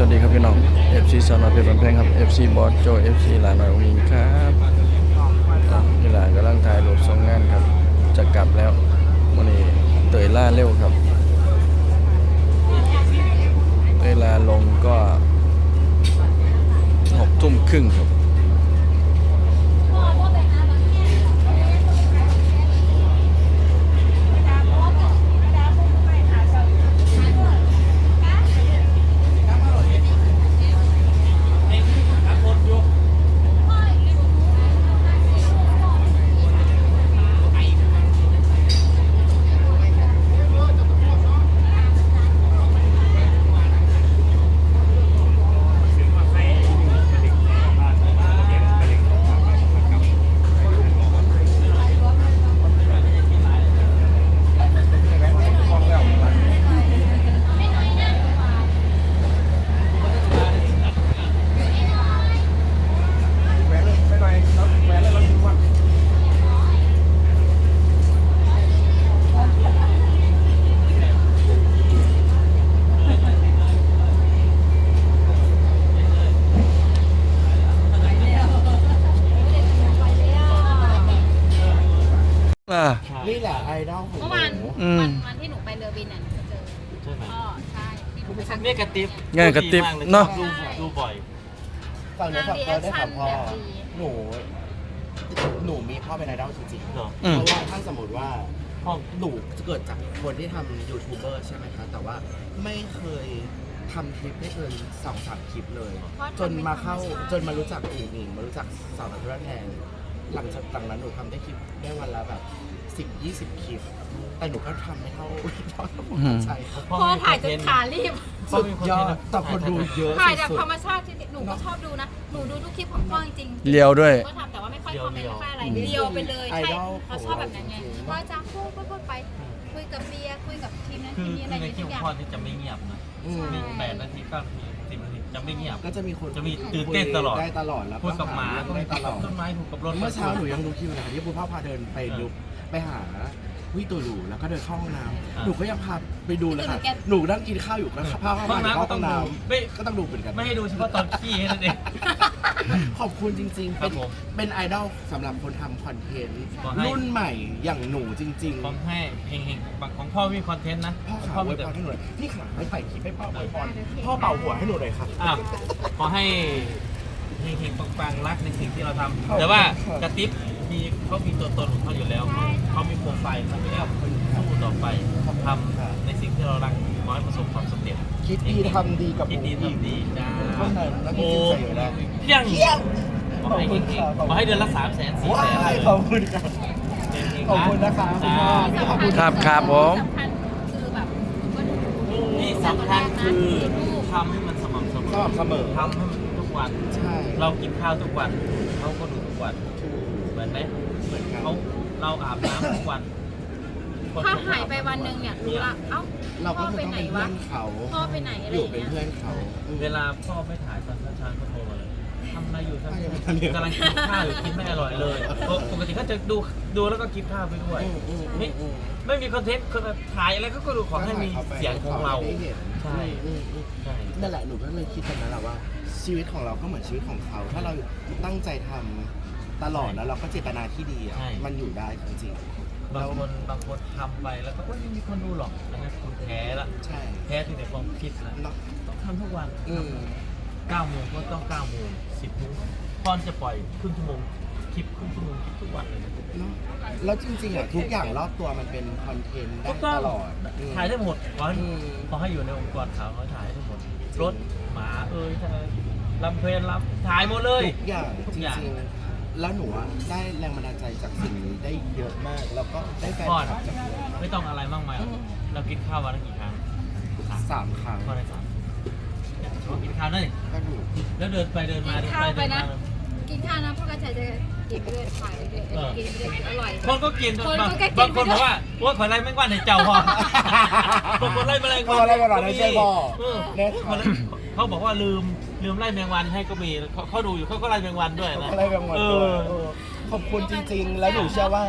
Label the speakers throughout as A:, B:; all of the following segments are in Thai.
A: วัสดีครับพี่น้อง FC สอนอเพชรบันแพงครับ FC บอสโจ FC หลานหน่อยองค์หญิงครับพี่หลานกำลังถ่ายรูปส่งงานครับจะกลับแล้ววันนี้เตยล่าเร็วครับเวลาลงก็6 ทุ่มครึ่งครับ
B: นี่แหละไอดอลของ
C: เมื่อวาน
B: หนู
C: วันที่หนูไปเรือบินน่ะหนูเจอ
D: ใช่ไหม
C: พ่อใช่ที่หนูไปทัก
D: เนี่ยกระติบ
A: ง่ายกระติบ
D: ดีมลย
A: เนาะ
D: ดูบ่อย
B: ฝั่งนี้ฝั่งเราได้ถามพ่อ
C: แบบดี
B: หนูมีพ่อเป็นไอดอลจริงๆ
D: เหรอ
B: เพราะว่าถ้าสมมติว่า
D: พ่อ
B: หนูเกิดจากคนที่ทำยูทูบเบอร์ใช่ไหมคะแต่ว่าไม่เคยทำคลิปได้เกิน2-3 คลิปเลย จนมารู้จักอุ๋งอิงมารู้จักสาวนักธุรแทนหลังจากนั้นหนูทำได้คลิปได้วันละแบบ10-20 คลิป แต่หนูก็ทำไม่เท่าพ่อใช่
C: พ่อถ่ายจนขารีบ
B: สุดยอดแต่คนดูเยอะ
C: ถ่ายแบบ
B: สุด
C: ธรรมชาติจริงๆหนูก็ชอบดูนะ หนูดูทุกคลิปของพ่อจริงๆ
A: เลียวด้วย
C: ก็ทำแต่ว่าไม่ค่อยคอมเมนต์ไม่ค่อยอะไรเดียวไปเลย
B: ไอ
C: ใช่
B: ดอล
C: เราชอบแบบนั้นไงพ่อจะพูดไปคุยกับเบียร์คุยกับทีมนั้น
D: คื
C: ที
D: อ
C: มนี้อะไร
D: ใน
C: อย่าง
D: คลิ
C: เงี้
D: ป
C: ย
D: ของพ่อนี่จะไม่เงียบนะ
B: อืม
D: มี8 นาที 9 นาที 10 นาทีจะไม่เงียบ
B: ก็จะมีคน
D: จะมีตื่นเต้นตลอด
B: ได้ตลอดแล้ว
D: พูดกับหมา
B: ได้ตลอด
D: ต้นไม้พูดกับรถ
B: เมื่อเช้าหนูยังดูคลิปนะที่คุณพ่อพาเดินไปดูไปหาวิตูหลูแล้วก็เดินเข้าห้องน้ำหนูก็ยังพาไปดูเลยค่ะหนูนั่งกินข้าวอยู่ก็พาเข้า
D: ห้อง
B: มา
D: น้ำ
B: เข้า
D: ก็
B: ห้
D: ต้
B: อ
D: อง
B: งน้
D: ดูไม่
B: ำก็ต้องดูเหมือนกัน
D: ไม่ให้ดูเฉพาะตอนขี้แค่นั้นเอง
B: ขอบคุณจริงๆ
D: ครับผม
B: เป็นไอดอลสำหรับคนทำคอนเทนต์
D: ขอให้
B: รุ่นใหม่อย่างหนูจริง
D: ของให้เฮงๆของพ่อมีคอนเทนต์นะ
B: ๆ พ่อขา
D: พ่อ
B: ไว้
D: มีแต่
B: พรให้หนูหน่อยพี่ขาไม่ไปคลิปให้พ่อไว้พรพ่อเป่าหัวให้หนูหน่อยครับ
D: อ้าวขอให้เฮงๆปังๆรักในสิ่งที่เราทำ
B: ขอบคุณ
D: แต่ว่า
B: ครับ
D: กระติบเขามีตัวตนของเขาอยู่แล้วเขามีโปรไฟล์เขาไม่ได้สู้ต่อไปทำในสิ่งที่เรารักขอให้ประสบความสำเร็จ
B: คิดดีทำดีกับ
D: คิดดี
B: หนู
D: ทำดีจ้า
B: เท่านั้นแล้วมีจิตใจอยู่แล้ว
D: เพียง
B: เที่ยง
D: ขอให้เฮงๆขอให้เดือนละ300,000 400,000
B: ว้ายขอบคุณครับ ขอบคุณนะคะคุณพ่อ ขอบคุณ
A: ครับผม
C: สำคัญคือแบบก็ดู
D: ที่สำคัญคือทำให้มันสม่ำเสม
B: ส
D: อ
B: ม่ำเสมอ
D: ทำให้มันทุกวัน
B: ใช่
D: เรากินข้าวทุกวันเขาก็ดูทุกวันเหมือนไหม
B: เหมือนกัน
D: เราอาบน้ำทุกวัน
C: ถ้าหายไปวันหนึ่งเนี่ยรู้ละเอ้า
B: เราก็
C: พ่อ
B: คือ
C: ไป
B: ต้อง
C: ไหน
B: เป็นเพื่
C: วะ
B: อนเขา
C: พ่อไปไหนอะไร
B: อ
C: อยู่ ย่าง
B: เป็น
C: เงี้ย
B: เพื่อนเขา
D: เวลาพ่อไม่ถ่ายตอนเช้าๆก็โทรมาเลยทำอะไรอยู่ครับ
B: ทำอะไรอยู่
D: กำลังกินข้าวอยู่กินไม่อร่อยเลยปกติเขาจะดูแล้วก็กินข้าวไปด้วยไม่มีคอนเทนต์ถ่ายอะไรเขาก็ดูขอให้มีเสียงของเรา
B: ได้เห็น
D: ใช่ ใช่
B: นั่นแหละหนูก็เลยคิดแบบนั้นแหละว่า ชีวิตของเราก็เหมือนชีวิตของเขา ถ้าเราตั้งใจทำตลอดแล้วเราก็เจตนาที่ดีอะมันอยู่ได้จริง
D: บางคนทำไปแล้วก็ไม่มีคนดูหรอกอันนั้นคุณแพ้ละ
B: ๆใช่
D: แพ้ที่ในความคิดนะ
B: เนาะ
D: ต้องทำทุกวัน 9 โมงก็ต้อง 9 โมง 10 โมงพอนจะปล่อยครึ่งชั่วโมงคลิปครึ่งชั่วโมงคลิปทุกวันเลยนะ
B: เนาะแล้วจริงๆอ่ะทุกอย่างรอบตัวมันเป็นคอนเทนต์ได้
D: ก็ต้อง
B: ตลอด
D: ถ่ายได้หมดขอให้
B: อืม
D: อยู่ในองค์กรข่าวเขาถ่ายได้หมด รถหมาลำเพลนถ่ายหมดเลย
B: ทุกอย่าง
D: ทุ
B: จ
D: กอย่าง
B: ริงๆแล้วหนูอะได้แรงบันดาลใจจากสิ่งนี้ได้เยอะมาก แล้วก็ได้แฟน
D: พ่อ
B: คลับจากเยอะ
D: ไม่ต้องอะไรมากมายเรากินข้าววันละกี่ครั้ง
B: 3 ครั้ง
D: พ่อได้3เขากินข้าวนั่น
B: ก็ดู
D: แล้วเดินไปเดินมา
C: กินข้าวไปนะ กินข้าวนะพ่อกระชัยจะกินไปด้วยถ่ายไปด้วยกินไปด้วยอร่อย
D: คนก็กิน
C: คนก็กิน
D: บางคนบอกว่าว่าขอไล่แมงวันให้เจ้าพ่อบางคนไล่แมลง
B: พออะไรกันหรอในใจพ่อ
D: เออ
B: เนี่ย
D: เขาบอกว่าลืมไล่แมงวันให้ก็มีเขาดูอยู่เขาก็ไล่แมงวันด้วยนะ
B: อะไรกันหมด
D: เอ
B: เลย
D: อ
B: ขอบคุณจริงๆ แล้วหนูเชื่อว่า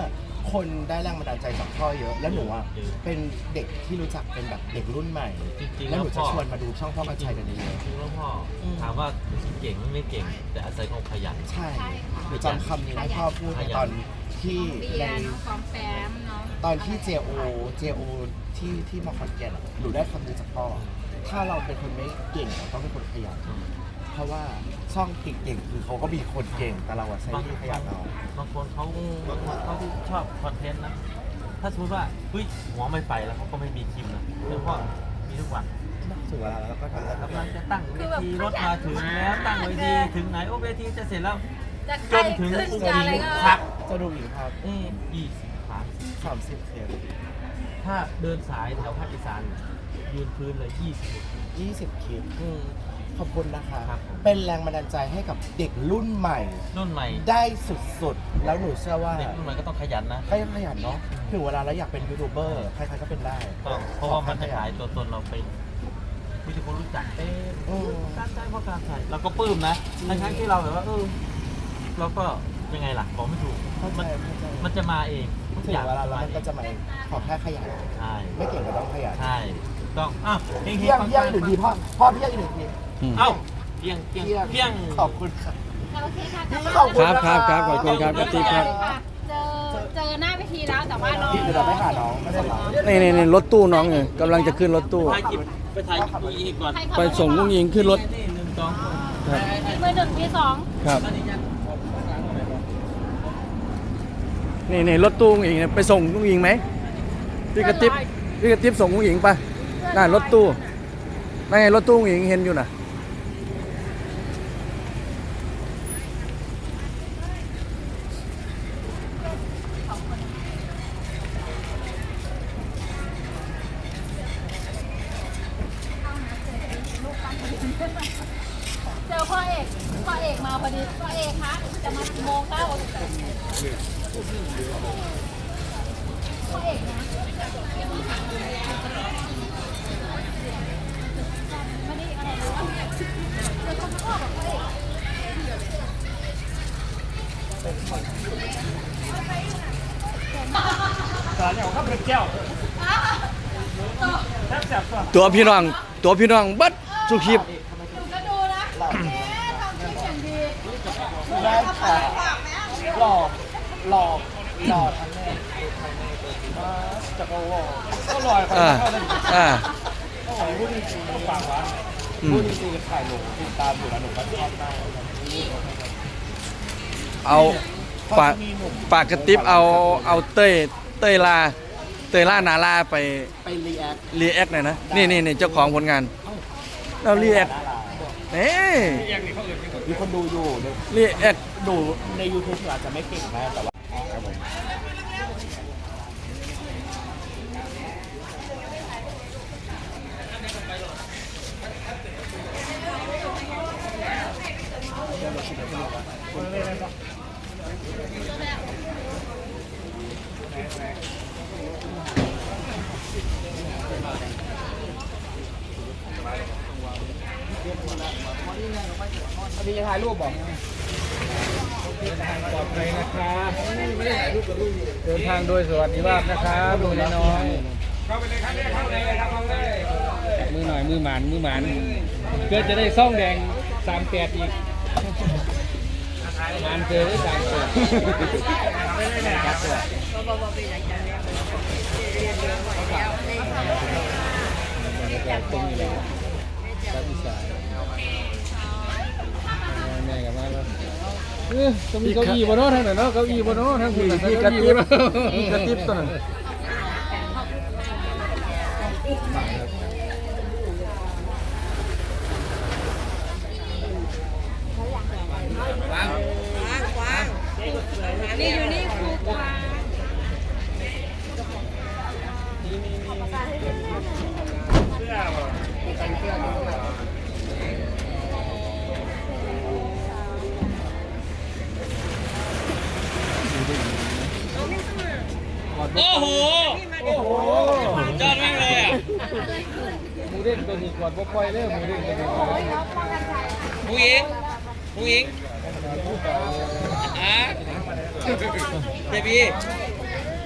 B: คนได้แรงบันดาลใจจากพ่อเยอะ แล้วหนูอ่ะเป็นเด็กที่รู้จักเป็นแบบเด็กรุ่นใหม่
D: จริงๆ
B: แล้วหนู
D: แล้วพ่
B: จะ
D: อ
B: ชวนมาดูช่องพ่อกันชัยกันเยอะ
D: จริงแล้วพ่อถามว่าเก่งไม่เก่ง แต่อาศัยความขยัน
B: ใช่
C: ใช่ค่ะ
B: หนูจำคำนี้ได้พ่อพูดในตอนที่
C: เบี
B: ใน
C: ยร์น้องฟอมแปมเนาะ
B: ตอนที่ JO ที่มาขอนแก่นอะหนูได้คำนี้จากพ่อ ถ้าเราเป็นคนไม่เก่งเราต้องเป็นคนขยัน เพราะว่าช่องเก่งๆคือเขาก็มีคนเก่งแต่เราอะใช้ที่ขยันเอา
D: บางคนเขาชอบคอนเทนต์นะ ถ้าสมมติว่าเฮ้ยหัวไม่ไปแล้วเขาก็ไม่มีคลิปนะแต่พ่อมีทุกวัน
B: ถึงเวลาแล้วก็ทำแล้ว
D: กำลังจะตั้งเวทีรถมาถึงแล้วตั้งเวทีถึงไหนโอ้เวทีจะเสร็จแล้ว
C: จะ
D: จนถึง
C: ขึ้นจะอะไรก็
D: พัก
B: จะดูอีกครับ
D: 20 ครั้ง
B: 30 เคส
D: ถ้าเดินสายแถวภาคอีสานยืนพื้นเลย
B: 20 คลิปขอบคุณนะคะ
D: ครับผม
B: เป็นแรงบันดาลใจให้กับเด็กรุ่นใหม่
D: รุ่นใหม่
B: ได้สุดๆ แล้วหนูเชื่อว่า
D: เด็กรุ่นใหม่ก็ต้องขยันนะ
B: ก็ยังขยันเนาะถึงเวลาแล้วอยากเป็นยูทูบเบอร์ใครๆก็เป็นได้
D: ต้องเพราะว่ามันจะขายตัวตนเราไปมีแต่คนรู้จักเต้การใช้เพราะการใช้เราก็ปลื้มนะทั้งที่เราแบบว่าเราก็ยังไงล่ะบอกไม่ถูก
B: เข้าใจ
D: มันจะมาเองทุก
B: ถึ
D: อง ย่าง
B: เวลาแล้วมันก็จะมาเองขอแค่ขยัน
D: ใช่
B: ไม่เก่งก็ต้องขยัน
D: ใช่ต้องอ้าวเพียง
B: เพี้ยง
D: ฟั
B: เพี้ยงหนึ่งทีพ่อเพี้ยงอีกหนึ่งที
D: เอ้าเพียงเพียงเพียง
B: ขอบคุณค่ะ
C: โอเคค่ะ
B: พี่ขอบคุณ
A: ครับขอบคุณครับกระติ๊บครับ
C: เจอหน้าเวทีแล้วแต่ว่ารอ
B: พี่เดี๋ยวเราไปหาน้องไม่ได้หรอ
A: นี่รถตู้น้องเนี่ยกำลังจะขึ้นรถตู้
D: ถ่ายคลิปไปถ่ายคลิปอีกก่อน
A: ไปส่งลุงยิงขึ้นรถ
D: นี่หนึ่งสอง
A: ครับ
C: มือหนึ่งที่สอง
A: ครับนี่รถตู้ลุงยิงเนี่ยไปส่งลุงยิงไหมพี่กระติ๊บส่งลุงยิงไปนั่นรถตู้นั่นไงรถตู้ลุงยิงเห็นอยู่น่ะ
C: เจอพ่อเอกมาพอดีพ่อเอกคะจะมากี่โมงคะพ่อเอกนะไม่ได้อะไรเลยจะทำพ่อกับพ่อเอก
D: สารอย่างข้าวเป็นแก้วแซ่บแซ่บก่อน
A: ตัวพี่น้องบัดสุขีบ
C: ก็ดูนะทำคลิปอย่างดี
B: ได้ค่ะหล่อทั้งแม่จะก็หล่อก็ลอยไป
A: อ่า
B: ก็หล่อพูดจริงๆฝากร้านพูดจริงๆถ่ายหนูติดตามอยู่แล้วหนูก็ชอบมาก
A: เอาปากกระติ๊บเอาเต้ยล่านาลาไป
B: รีแอค
A: รีแอคหน่อยนะนี่เจ้าของผลงานเรารีแอคเอ้ย
B: มีคนดูอยู่
A: รีแอค
B: ดูใน YouTube อาจจะไม่เก่งมากแต่ว่าครับผมอันนี้จะถ่ายรูปบอก
E: ปลอดภัยนะครับเดินทางโดยสวัสดิภาพนะครับดูน้อยเข้าไปเลยครับเข้าเลยครับเข้าเลยมือหน่อยมือหมันเพื่อจะได้ซ่องแดง38อีกงานเจอได้38ตรงนี้เลยครับอีสานแม่กับมาแล้วต้องมีเก้าอี้บนโน้ตทางไหนเนาะเก้าอี้บนโน้ตทางคุณพี่กระติ๊บตัวนั้น
C: นี่อยู่นี่ครูกวาง
D: โอ้โหจอดแม่งเลยอ่ะ
E: หมูเด้งตัวนี้ก่อนบ่ปล่อยเลยหมูเด้งตัวนี้
D: ผู้หญิงอ่ะเจบี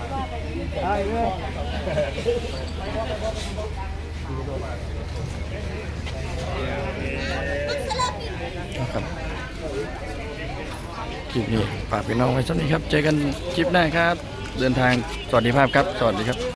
E: ได้เลย
A: ครับคลิปนี้ฝากพี่น้องไว้สักนี้ครับ เจอกันคลิปหน้าครับ เดินทางสวัสดีภาพครับ สวัสดีครับ